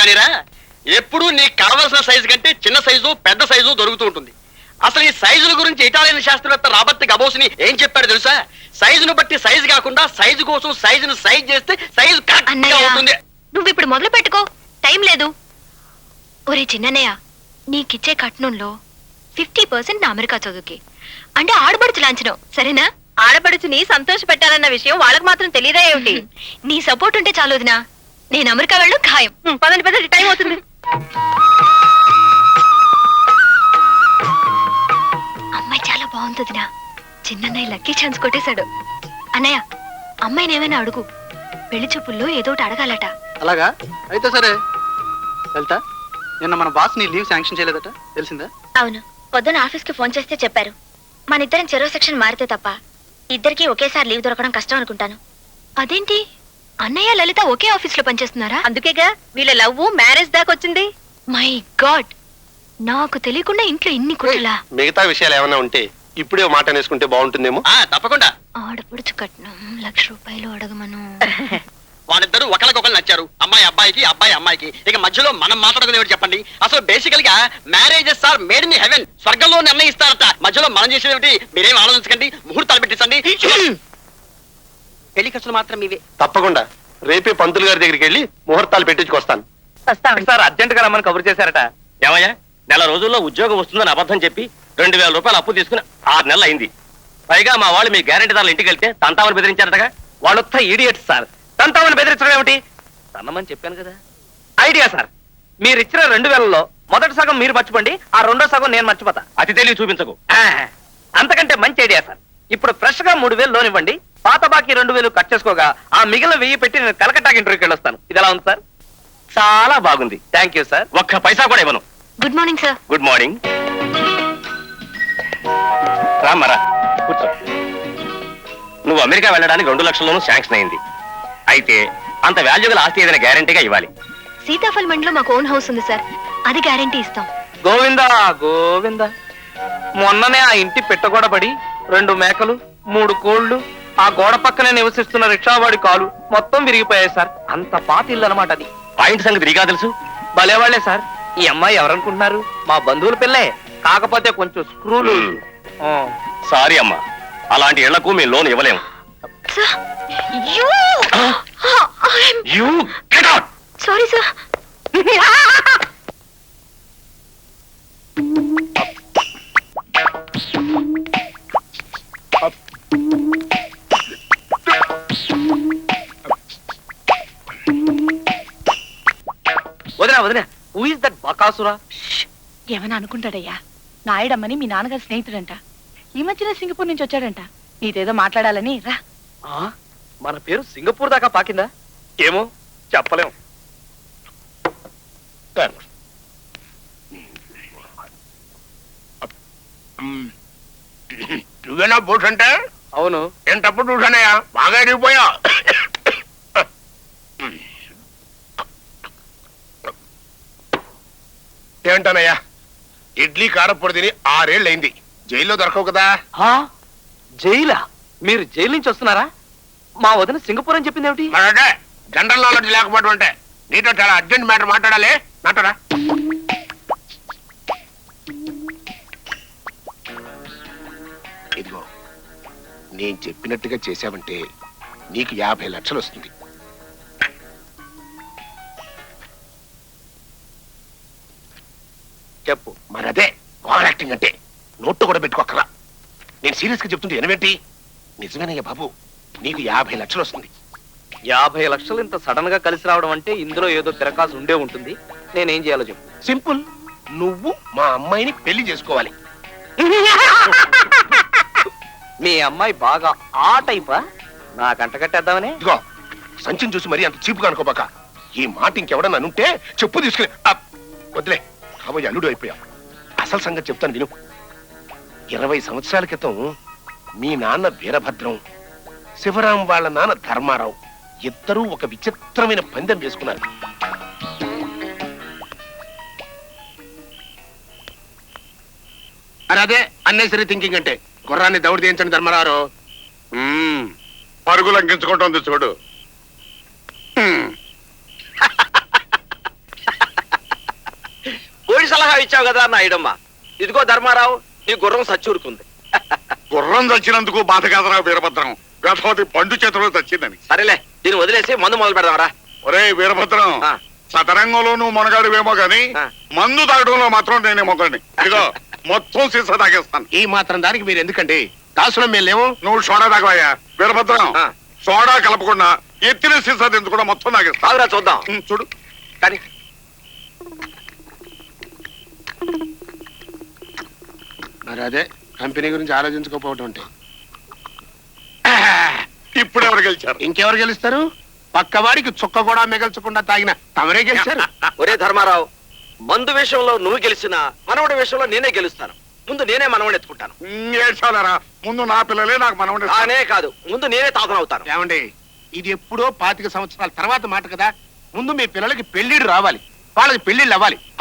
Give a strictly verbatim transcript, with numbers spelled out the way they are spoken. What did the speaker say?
కానీరా, ఎప్పుడు నీకు కావలసిన సైజు కంటే చిన్న సైజు పెద్ద సైజు దొరుకుతూ ఉంటుంది. అసలు ఈ సైజుల గురించి ఇటాలియన్ శాస్త్రవేత్త రాబర్ట్ గబోసిని ఏం చెప్పాడు తెలుసా? సైజును బట్టి సైజు కాకుండా సైజు కోసం సైజును సైజ్ చేస్తే సైజు కరెక్ట్ గా అవుతుంది. నువ్వు ఇప్పుడు మొదలు పెట్టుకో, టైం లేదు. ఒరే చిన్నయ్య, నీకిచ్చే కట్నంలో ఫిఫ్టీ పర్సెంట్ నా అమెరికా చదువుకి, అంటే ఆడబడుచు లాంఛనం, సరేనా? ఆడబడుచుని సంతోష పెట్టాలన్న విషయం వాళ్ళకి మాత్రం తెలియదా ఏమిటి? నీ సపోర్ట్ ఉంటే చాలు వదినా, నేను అమెరికా వెళ్ళడం ఖాయం. పదండి పదండి, టైం అవుతుంది. అమ్మాయి చాలా బాగుంటుందినా, చిన్నన్నయ్య లక్కీ ఛాన్స్ కొట్టేశాడు. అన్నయ్య, అమ్మాయిని ఏమైనా అడుగు, పెళ్లి చూపుల్లో ఏదో ఒకటి అడగాలట. అలాగా, అయితే సరే. వెళ్తా. నిన్న మన బాస్ నీ లీవ్ శాంక్షన్ చేయలేదట, తెలిసిందా? అవును, పొద్దున ఆఫీస్ కి ఫోన్ చేస్తే చెప్పారు. మన ఇద్దరం చెరో సెక్షన్ మారితే తప్ప ఇద్దరికి ఒకేసారి లీవ్ దొరకడం కష్టం అనుకుంటాను. అదేంటి, అన్నయ్య లలిత ఒకే ఆఫీస్ లో పనిచేస్తున్నారా? అందుకేగా వీళ్ళ లవ్ మ్యారేజ్ దాకా వచ్చింది. మై గాడ్, నాకు తెలియకుండా ఇంట్లో ఇన్ని కుట్రలా. మిగతా విషయాలు ఏమైనా ఉంటే ఇప్పుడే మాట అనేసుకుంటే బాగుంటుందేమో. తప్పకుండా. ఆడపడుచు కట్నం లక్ష రూపాయలు అడగమను. వాళ్ళిద్దరూ ఒకరికొకరు నచ్చారు, అమ్మాయి అబ్బాయికి, అబ్బాయి అమ్మాయికి. ఇక మధ్యలో మనం మాట్లాడుకునేవాడు చెప్పండి. అసలు బేసికల్ గా marriages are made in heaven, స్వర్గంలో నిర్ణయిస్తారట. మధ్యలో మనం చేసేది మీరేం ఆలోచించకండి, ముహూర్తాలు పెట్టించండి. పెళ్లి ఖర్చులు మాత్రం ఇవే. తప్పకుండా రేపే పంతులు గారి దగ్గరికి వెళ్ళి ముహూర్తాలు పెట్టించుకొస్తాను. సార్ అర్జెంట్ గా రమ్మని కబురు చేశారట. ఏమయ్యా, నెల రోజుల్లో ఉద్యోగం వస్తుందని అబద్ధం చెప్పి రెండు వేల రూపాయలు అప్పు తీసుకుని ఆరు నెలలు అయింది. పైగా మా వాళ్ళు మీ గ్యారెంటీదారులు ఇంటికి వెళ్తే తంతామని బెదిరించారటగా. వాళ్ళొత్త ఈడియట్స్ సార్. తంతామని బెదిరించడం ఏమిటి? తన్నమని చెప్పాను కదా. ఐడియా సార్, మీరు ఇచ్చిన రెండు వేలలో మొదటి సగం మీరు మర్చిపోండి, ఆ రెండో సగం నేను మర్చిపోతా. అతి తెలివి చూపించకు. అంతకంటే మంచి ఐడియా సార్. ఇప్పుడు ఫ్రెష్ గా మూడు వేలు లోన్ ఇవ్వండి, పాత బాకీ రెండు వేలు కట్ చేసుకోగా ఆ మిగిలిన వెయ్యి పెట్టి నేను కలకట్టాకి ఇంటర్వ్యూకి వెళ్ళొస్తాను. ఇది ఎలా ఉంది సార్? చాలా బాగుంది. Thank you sir. ఒక్క పైసా కూడా ఇవ్వను. Good morning sir. Good morning. రామరా, కూర్చో. నువ్వు అమెరికా వెళ్ళడానికి రెండు లక్షల్లోనూ శాంక్షన్ అయింది. అయితే అంత వాల్యూ గల ఆస్తి ఏదైనా గ్యారంటీగా ఇవ్వాలి. సీతాఫల్ మండిలో మాకు ఓన్ హౌస్ ఉంది సార్, అది గ్యారంటీ ఇస్తాం. గోవిందా గోవిందా, మొన్ననే ఆ ఇంటి పెట్టగొడబడి రెండు మేకలు, మూడు కోళ్లు, ఆ గోడ పక్కనే నివసిస్తున్న రిక్షావాడి కాలు మొత్తం విరిగిపోయాయి సార్. అంత పాత ఇల్లు అనమాట అది. ఆ ఇంటి సంగతి నీకా తెలుసు? భలేవాళ్లే సార్. ఈ అమ్మాయి ఎవరనుకుంటున్నారు? మా బంధువుల పిల్లే, కాకపోతే కొంచెం స్క్రూలు. సారీ అమ్మా, అలాంటి ఇళ్లకు మేము లోన్ ఇవ్వలేము. Sorry sir. వదినా వదినా, హూ ఇస్ దట్ బకాసురా? ఏమని అనుకుంటాడయ్యా, నాయుడమ్మని మీ నాన్నగారి స్నేహితుడంట. ఈ మధ్యన సింగపూర్ నుంచి వచ్చాడంట, నీదేదో మాట్లాడాలని రా. మన పేరు సింగపూర్ దాకా పాకిందా? ఏమో చెప్పలేం. నువ్వేనా బోట్స్ అంటే? అవును. నేను తప్పుడు చూసానయ్యా, బాగా ఎదిగిపోయా. ఏమంటానయ్యా, ఇడ్లీ కారపొడి తిని ఆరేళ్ళు అయింది. జైల్లో దొరకవు కదా. జైలా? మీరు జైలు నుంచి వస్తున్నారా? మా వదిన సింగపూర్ అని చెప్పింది ఏమిటి? మరంటే జనరల్ నాలెడ్జ్ లేకపోవడం అంటే. నీతో చాలా అర్జెంట్ మ్యాటర్ మాట్లాడాలి, నాటరా. ఇదిగో, నేను చెప్పినట్టుగా చేశావంటే నీకు యాభై లక్షలు వస్తుంది. చెప్పు. మరదే ఓవర్ యాక్టింగ్ అంటే. నోట్టు కూడా పెట్టుకోకరా. నేను సీరియస్ గా చెప్తుంటే ఎనవేంటి? నిజమేనయ్యా బాబు, నీకు యాభై లక్షలు వస్తుంది. యాభై లక్షలు ఇంత సడన్ గా కలిసి రావడం అంటే ఇందులో ఏదో తిరకాసు ఉండే ఉంటుంది. నేనేం చేయాలో చెప్పు. సింపుల్, నువ్వు మా అమ్మాయిని పెళ్లి చేసుకోవాలి. మీ అమ్మాయి బాగా ఆ టైపా? నాకంట కట్టేద్దామని. ఇదిగో, సంచిని చూసి మరీ అంత చీపుగా అనుకోబాక. ఈ మాట ఇంకెవడన్నా అనుంటే చెప్పు తీసుకుని వదిలే. కాబోయే అల్లుడు అయిపోయా. అసలు సంగతి చెప్తాను విను. ఇరవై సంవత్సరాల క్రితం మీ నాన్న వీరభద్రం, శివరాం వాళ్ళ నాన్న ధర్మారావు ఇద్దరూ ఒక విచిత్రమైన పందెం వేసుకున్నారు. అరే అదే అన్నెసరీ థింకింగ్ అంటే. గుర్రాన్ని దౌడు తీయించండి ధర్మారావు. పరుగు లంకించుకుంటుంది చూడు. సలహా ఇచ్చావు కదా నాయుడమ్మ. ఇదిగో ధర్మారావు, నీ గుర్రం సచ్చూరుకుంది. గుర్రం చచ్చినందుకు బాధ కాదరా వీరభద్రం, గతవతి పండు చేతిలో చచ్చిందని. సరేలే, దీన్ని వదిలేసి మందు మొదలు పెడదాంరా. ఒరే వీరభద్రం, ఆ. సతరంగంలో నువ్వు మునగాడువేమో గాని ఆ. మందు తాగడంలో మాత్రం నేనే మొగండి. ఇదిగో మొత్తం సీసా తాగేస్తాను. ఈ మాత్రం దానికి మీరు ఎందుకండి? దాసులం మేము లేవు. నువ్వు సోడా తాగవయ్యా వీరభద్రం. ఆ. సోడా కలపకుండా ఎత్తిన సీసా తెంచుకుండా మొత్తం తాగేస్తా. తాగురా చూద్దాం. ఉమ్, చూడు. కానీ మరి అదే కంపెనీ గురించి ఆలోచించుకోకపోవటం అంటే. ఇప్పుడు ఎవరు గెలిచారు? ఇంకెవరు గెలుస్తారు? పక్కవాడికి చుక్క కూడా మిగల్చకుండా తాగిన తమరే గెలిచారు. ఒరే ధర్మారావు, మందు విషయంలో నువ్వు గెలిచినా మనవడి విషయంలో నేనే గెలుస్తాను. ముందు నేనే మనవడిని ఎత్తుకుంటాను. ఉమ్, ఏడ్చాలరా, ముందు నా పిల్లలే నాకు మనవడే. కానే కాదు, ముందు నేనే తాతనవుతాను. ఏమండి, ఇది ఎప్పుడో పాతిక సంవత్సరాల తర్వాత మాట కదా. ముందు మీ పిల్లలకి పెళ్లిళ్ళు రావాలి, వాళ్ళకి పెళ్లిళ్ళు అవ్వాలి.